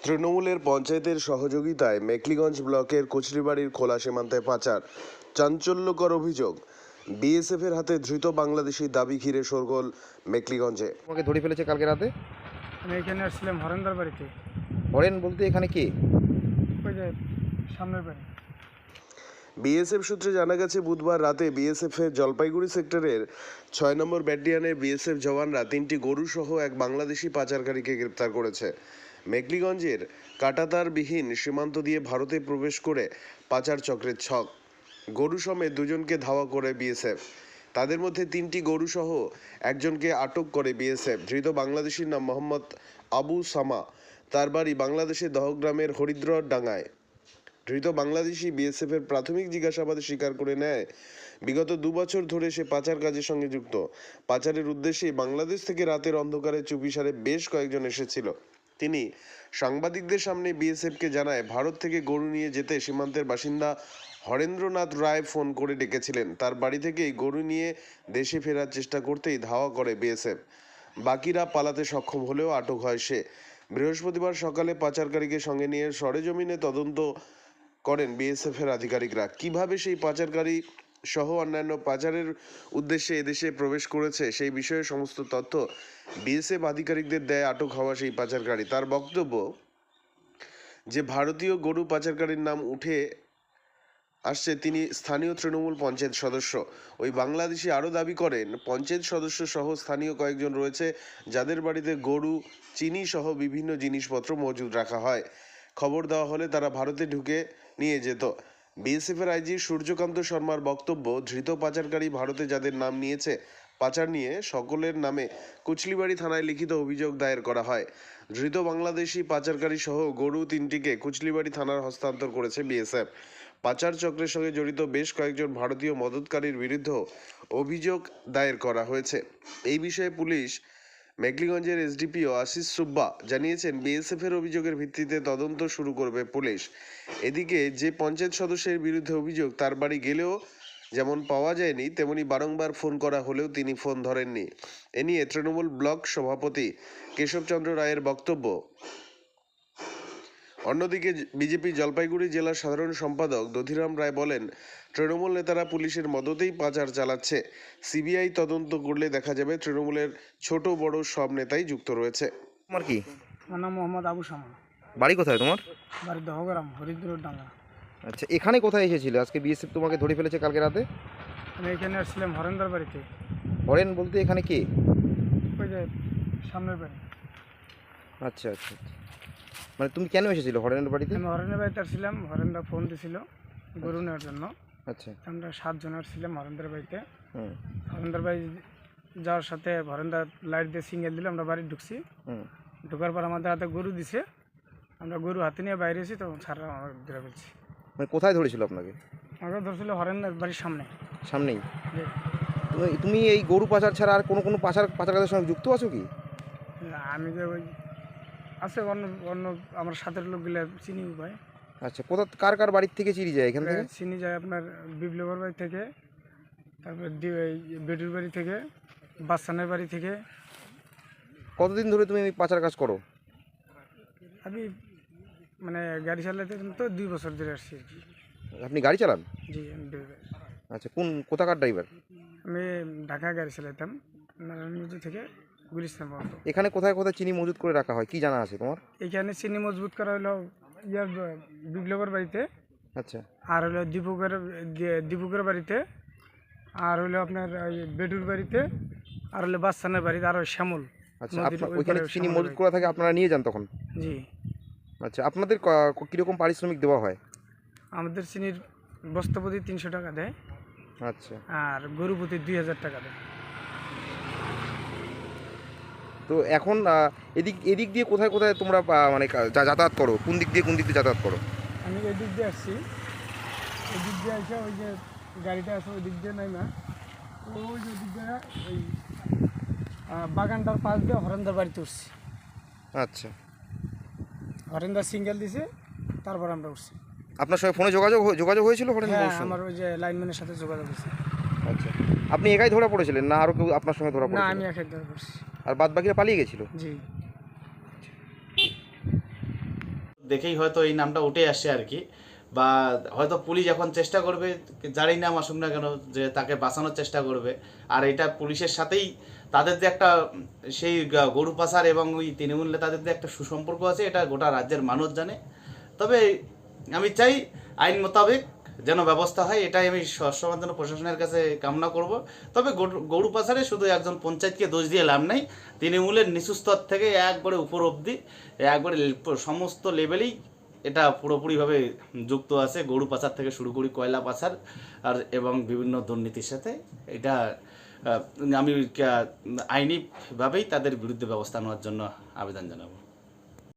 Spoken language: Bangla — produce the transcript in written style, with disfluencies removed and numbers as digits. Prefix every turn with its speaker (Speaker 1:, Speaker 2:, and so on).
Speaker 1: তৃণমূলের পঞ্চায়েতের সহযোগিতায় মেখলিগঞ্জ ব্লকের কচুরিবাড়ির খোলা সীমান্তে পাচার, চাঞ্চল্যকর অভিযোগ। বিএসএফের হাতে ধৃত বাংলাদেশি দাবি ঘিরে শোরগোল মেখলিগঞ্জে।
Speaker 2: তোমাকে ধরে ফেলেছে কালকে রাতে।
Speaker 3: আমি এখানে আসছিলাম হরেন্দার বাড়িতে।
Speaker 2: হরেন বলতে এখানে কে?
Speaker 3: ওই যে সামনের বাড়ি।
Speaker 1: বিএসএফ সূত্রে জানা গেছে, বুধবার রাতে বিএসএফের জলপাইগুড়ি সেক্টরের ৬ নম্বর ব্যাটালিয়নের বিএসএফ জওয়ানরা ৩টি গরু সহ এক বাংলাদেশি পাচারকারীকে গ্রেপ্তার করেছে। মেখলিগঞ্জের কাঁটাতারবিহীন সীমান্ত দিয়ে ভারতে প্রবেশ করে পাচার চক্রের ছক। গরু সমেত দুজনকে ধাওয়া করে বিএসএফ। তাদের মধ্যে 3টি গরু সহ একজনকে আটক করে বিএসএফ। ধৃত বাংলাদেশির নাম মোহাম্মদ আবু সামা। তার বাড়ি বাংলাদেশের দহগ্রামের হরিদ্রর ডাঙ্গায়। ধৃত বাংলাদেশি বিএসএফের প্রাথমিক জিজ্ঞাসাবাদে স্বীকার করে নেয়, বিগত 2 বছর ধরে সে পাচার কাজের সঙ্গে যুক্ত। পাচারের উদ্দেশ্যে বাংলাদেশ থেকে রাতের অন্ধকারে চুপিসারে বেশ কয়েকজন এসেছিল। তিনি সাংবাদিকদের সামনে বিএসএফকে জানায়, ভারত থেকে গরু নিয়ে যেতে সীমান্তের বাসিন্দা হরেন্দ্রনাথ রায় ফোন করে ডেকেছিলেন। তার বাড়ি থেকেই গরু নিয়ে দেশে ফেরার চেষ্টা করতেই ধাওয়া করে বিএসএফ। বাকিরা পালাতে সক্ষম হলেও আটক হয় সে। বৃহস্পতিবার সকালে পাচারকারীকে সঙ্গে নিয়ে সরেজমিনে তদন্ত করেন বিএসএফের আধিকারিকরা। কিভাবে সেই পাচারকারী সহ অন্যান্য পাচারের উদ্দেশ্যে এদেশে প্রবেশ করেছে সেই বিষয়ে সমস্ত তথ্য বিএসএফ আধিকারিকদের দেয় আটক হওয়া সেই পাচারকারী। তার বক্তব্য যে ভারতীয় গরু পাচারকারীর নাম উঠে আসছে তিনি স্থানীয় তৃণমূল পঞ্চায়েত সদস্য। ওই বাংলাদেশি আরও দাবি করেন, পঞ্চায়েত সদস্য সহ স্থানীয় কয়েকজন রয়েছে যাদের বাড়িতে গরু, চিনি সহ বিভিন্ন জিনিসপত্র মজুদ রাখা হয়। খবর দেওয়া হলে তারা ভারতে ঢুকে নিয়ে যেত। বিএসএফের আইজি সূর্যকান্ত শর্মার বক্তব্য, ধৃত পাচারকারী ভারতে যাদের নাম নিয়েছে পাচার নিয়ে সকলের নামে কুচলিবাড়ি থানায় লিখিত অভিযোগ দায়ের করা হয়। ধৃত বাংলাদেশি পাচারকারী সহ গরু 3টিকে কুচলিবাড়ি থানার হস্তান্তর করেছে বিএসএফ। পাচার চক্রের সঙ্গে জড়িত বেশ কয়েকজন ভারতীয় মদতকারীর বিরুদ্ধেও অভিযোগ দায়ের করা হয়েছে। এই বিষয়ে পুলিশ মেখলিগঞ্জের এসডিপিও আশিস সুব্বা জানিয়েছেন, বিএসএফের অভিযোগের ভিত্তিতে তদন্ত শুরু করবে পুলিশ। এদিকে যে পঞ্চায়েত সদস্যের বিরুদ্ধে অভিযোগ, তার বাড়ি গেলেও যেমন পাওয়া যায়নি, তেমনি বারংবার ফোন করা হলেও তিনি ফোন ধরেননি। এ নিয়ে তৃণমূল ব্লক সভাপতি কেশবচন্দ্র রায়ের বক্তব্য। অন্যদিকে বিজেপি জলপাইগুড়ি জেলার সাধারণ সম্পাদক দধিরাম রায় বলেন, তৃণমূল নেতারা পুলিশের মদতেই পাচার চালাচ্ছে। সিবিআই তদন্ত করলে দেখা যাবে তৃণমূলের ছোট বড় সব নেতাই যুক্ত রয়েছে।
Speaker 2: তোমার কি?
Speaker 3: আমার নাম মোহাম্মদ আবু সামা।
Speaker 2: বাড়ি কোথায় তোমার?
Speaker 3: বাড়ি দহগ্রাম, হরিদ্রর ডাঙ্গা।
Speaker 2: আচ্ছা, এখানে কোথায় এসেছিলে? আজকে বিএসএফ তোমাকে ধরে ফেলেছে কালকে রাতে।
Speaker 3: আমি এখানে আসছিলাম হরেন্দার বাড়িতে।
Speaker 2: হরেন বলতে এখানে কে?
Speaker 3: ওই যে সামনের বাড়ি।
Speaker 2: আচ্ছা আচ্ছা আচ্ছা। মানে তুমি কেন এসেছিলে হরেনের বাড়িতে?
Speaker 3: আমি হরেন্দার বাড়িতে আসছিলাম, হরেন্দা ফোন দিছিল গরু নেওয়ার জন্য।
Speaker 2: আচ্ছা।
Speaker 3: আমরা 7 জন আসছিলাম হরেন্দার বাড়িতে।
Speaker 2: হুম
Speaker 3: হরেন্দার বাড়ি যাওয়ার সাথে হরেন্দার লাইট দিয়ে সিঙ্গেল দিলে আমরা বাড়ি ঢুকছি।
Speaker 2: হুম।
Speaker 3: ঢোকার পর আমাদের হাতে গরু দিছে। আমরা গরু হাতে নিয়ে বাইরে এসেছি, তখন ছাড়া আমরা ধরে ফেলছি।
Speaker 2: মানে কোথায় ধরেছিল আপনাকে?
Speaker 3: আমাকে ধরছিল হরেন্দার বাড়ির সামনে।
Speaker 2: সামনেই?
Speaker 3: যে
Speaker 2: তুমি এই গরু পাচার ছাড়া আর কোনো পাচারকারীদের সঙ্গে যুক্ত আছো কি?
Speaker 3: আমি যে ওই আছে অন্য অন্য আমার সাথের লোকগুলো চিনি ভাই।
Speaker 2: আচ্ছা, কার কার বাড়ির থেকে চিনি যায় এখান থেকে?
Speaker 3: চিনি যায় আপনার বিপ্লবের বাড়ি থেকে, তারপর বেডুর বাড়ি থেকে, বাচ্চানের বাড়ি থেকে।
Speaker 2: কতদিন ধরে তুমি এই পাচার কাজ করো?
Speaker 3: আমি মানে গাড়ি চালাতে তো 2 বছর ধরে আসছি আর কি।
Speaker 2: আপনি গাড়ি চালান?
Speaker 3: জি, আমি ড্রাইভার।
Speaker 2: আচ্ছা, কোথাকার ড্রাইভার?
Speaker 3: আমি ঢাকা গাড়ি চালাতাম, নারায়ণগঞ্জ থেকে গুলিস্তান পর্যন্ত।
Speaker 2: এখানে কোথায় কোথায় চিনি মজুত করে রাখা হয় কি জানা আছে তোমার?
Speaker 3: এখানে চিনি মজবুত করা হলো ইয়ার বিপ্লবের বাড়িতে।
Speaker 2: আচ্ছা।
Speaker 3: আর হলো দীপকের বাড়িতে, আর হলো আপনার বেডুর বাড়িতে, আর হলো বাচ্চানের বাড়িতে, আর ওই শ্যামল।
Speaker 2: আচ্ছা, ওইখানে চিনি মজুত করা থাকে, আপনারা নিয়ে যান তখন?
Speaker 3: জি।
Speaker 2: আচ্ছা, আপনাদের কীরকম পারিশ্রমিক দেওয়া হয়?
Speaker 3: আমাদের চিনির বস্তা প্রতি 300 টাকা দেয়।
Speaker 2: আচ্ছা।
Speaker 3: আর গরু প্রতি 2000 টাকা দেয়।
Speaker 2: তো এখন এদিক দিয়ে কোথায় কোথায় তোমরা মানে যাতায়াত করো? কোন দিক দিয়ে যাতায়াত করো?
Speaker 3: আমি এই দিক দিয়ে আসছি, এই দিক দিয়ে আসে ওই যে গাড়িটা আছে ওই দিক দিয়ে নাই না, ওই যে দিক দিয়ে ওই বাগানটার পাশ দিয়ে হরেন্দার বাড়িতে উঠছি।
Speaker 2: আচ্ছা।
Speaker 3: হরেন্দার সিঙ্গেল দিছে, তারপর আমরা উঠছি।
Speaker 2: আপনার সঙ্গে ফোনে যোগাযোগ হয়েছিল হরেন?
Speaker 3: হ্যাঁ, আমার ওই যে লাইনম্যানের সাথে যোগাযোগ হয়েছে।
Speaker 2: আচ্ছা, আপনি একাই ধরা পড়েছিলেন না আরও কেউ আপনার সঙ্গে ধরা
Speaker 3: না,
Speaker 2: পড়েছিল?
Speaker 3: আমি একাই ধরে পড়ছি।
Speaker 2: আর বাদ বাকিরা পালিয়ে গেছিল?
Speaker 3: জি।
Speaker 4: দেখেই হয়তো এই নামটা উঠে আসছে আর কি, বা হয়তো পুলিশ এখন চেষ্টা করবে, যারই নাম আসুক না কেন, যে তাকে বাঁচানোর চেষ্টা করবে। আর এটা পুলিশের সাথেই তাদের যে একটা সেই গরু পাচার এবং ওই তৃণমূল নেতাদের যে একটা সুসম্পর্ক আছে, এটা গোটা রাজ্যের মানুষ জানে। তবে আমি চাই আইন মোতাবেক যেন ব্যবস্থা হয়, এটাই আমি সবসময়ের জন্য প্রশাসনের কাছে কামনা করব। তবে গরু পাচারে শুধু একজন পঞ্চায়েতকে দোষ দিয়ে লাভ নাই, তৃণমূলের নিচু স্তর থেকে একবারে উপর অবধি একবারে সমস্ত লেভেলেই এটা পুরোপুরিভাবে যুক্ত আছে, গরু পাচার থেকে শুরু করি কয়লা পাচার আর এবং বিভিন্ন দুর্নীতির সাথে। এটা আমি আইনিভাবেই তাদের বিরুদ্ধে ব্যবস্থা নেওয়ার জন্য আবেদন জানাবো।